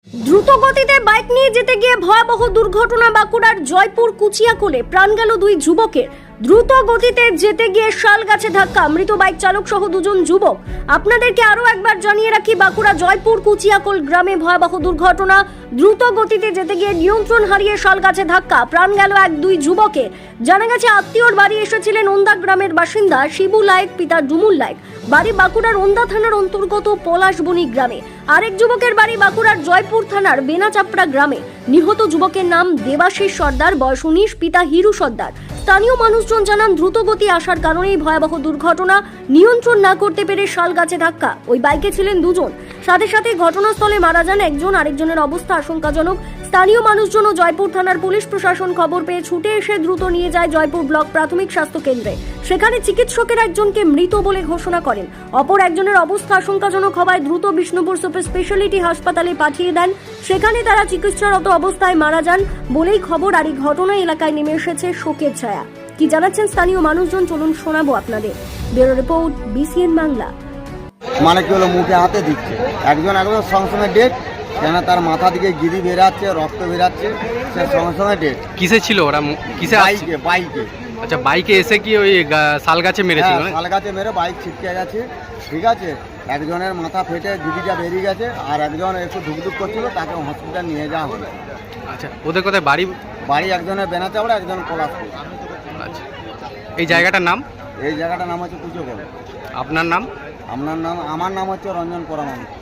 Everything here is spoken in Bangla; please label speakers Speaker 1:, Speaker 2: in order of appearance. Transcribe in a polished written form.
Speaker 1: দ্রুত গতিতে বাইক নিয়ে যেতে গিয়ে ভয়াবহ দুর্ঘটনা। বাঁকুড়ার জয়পুর কুচিয়াকোলে প্রাণ গেল দুই যুবকের। দ্রুত গতিতে যেতে গিয়ে শাল গাছে ধাক্কা, মৃত বাইক চালক সহ দুজন যুবক। আপনাদেরকে আরো একবার জানিয়ে রাখি, বাঁকুড়া জয়পুর কুচিয়াকোল গ্রামে ভয়াবহ দুর্ঘটনা। দ্রুত গতিতে যেতে গিয়ে নিয়ন্ত্রণ হারিয়ে শাল গাছে ধাক্কা, প্রাণ গেল দুই যুবকের। জানা গেছে আত্মীয়র বাড়ি এসেছিলেন ওন্দা গ্রামের বাসিন্দা শিবু লায়েক, পিতা ডুমুল লায়েক। বাড়ি বাঁকুড়ার ওন্দা থানার অন্তর্গত পলাশবনি গ্রামে। আরেক যুবকের বাড়ি বাঁকুড়ার জয়পুর থানার বেনাচাপড়া গ্রামে। নিহত যুবকের নাম দেবাশিস সর্দার, বয়স 19, পিতা হিরু সর্দার। স্থানীয় মানুষজন জানান, দ্রুতগতি আসার কারণেই ভয়াবহ দুর্ঘটনা। নিয়ন্ত্রণ না করতে পেরে শাল গাছে ধাক্কা। ওই বাইকে ছিলেন দুজন। সাথে সাথে ঘটনাস্থলে মারা যান একজন, আরেকজনের অবস্থা আশঙ্কাজনক। স্থানীয় মানুষজন ও জয়পুর থানার পুলিশ প্রশাসন খবর পেয়ে ছুটে এসে দ্রুত নিয়ে যায় জয়পুর ব্লক প্রাথমিক স্বাস্থ্য কেন্দ্রে। সেখানে চিকিৎসকের একজনকে মৃত বলে ঘোষণা করেন। অপর একজনের অবস্থা আশঙ্কাজনক হওয়ায় দ্রুত বিষ্ণুপুর সুপার স্পেশালিটি হাসপাতালে পাঠিয়ে দেন। সেখানে তারা চিকিৎসারত অবস্থায় মারা যান বলেই খবর। আর এই ঘটনা এলাকায় নেমে এসেছে শোকের ছায়া। কি জানাচ্ছেন স্থানীয় মানুষজন, চলুন শোনাবো আপনাদের। Bureau report, BCN Bangla.
Speaker 2: মানে কি হলো, মুখে হাতে দিচ্ছে একজন সঙ্গে সঙ্গে ডেট, কেন তার মাথা দিকে গিরি বেরাচ্ছে, রক্ত বেরাচ্ছে, সে সঙ্গে সঙ্গে ডেট।
Speaker 3: কিসে ছিল ওরা? কিসে?
Speaker 2: বাইকে।
Speaker 3: আচ্ছা, বাইকে এসে কি ওই শাল গাছে মেরেছিল?
Speaker 2: শাল গাছে মেরে বাইক ছিটকে গেছে, ঠিক আছে। একজনের মাথা ফেটে গিরিটা বেরিয়ে গেছে, আর একজন একটু ধুকধুক করছিল, তাকে হসপিটাল নিয়ে যাওয়া হলো।
Speaker 3: আচ্ছা, ওদের কোথায় বাড়ি?
Speaker 2: বাড়ি একজনের বেনাচাপড়া, একজন পলাশপুর।
Speaker 3: আচ্ছা, এই জায়গাটার নাম?
Speaker 2: এই জায়গাটার নাম হচ্ছে কুচিয়াকোল।
Speaker 3: আপনার নাম?
Speaker 2: আমার নাম হচ্ছে রঞ্জন পরামানি।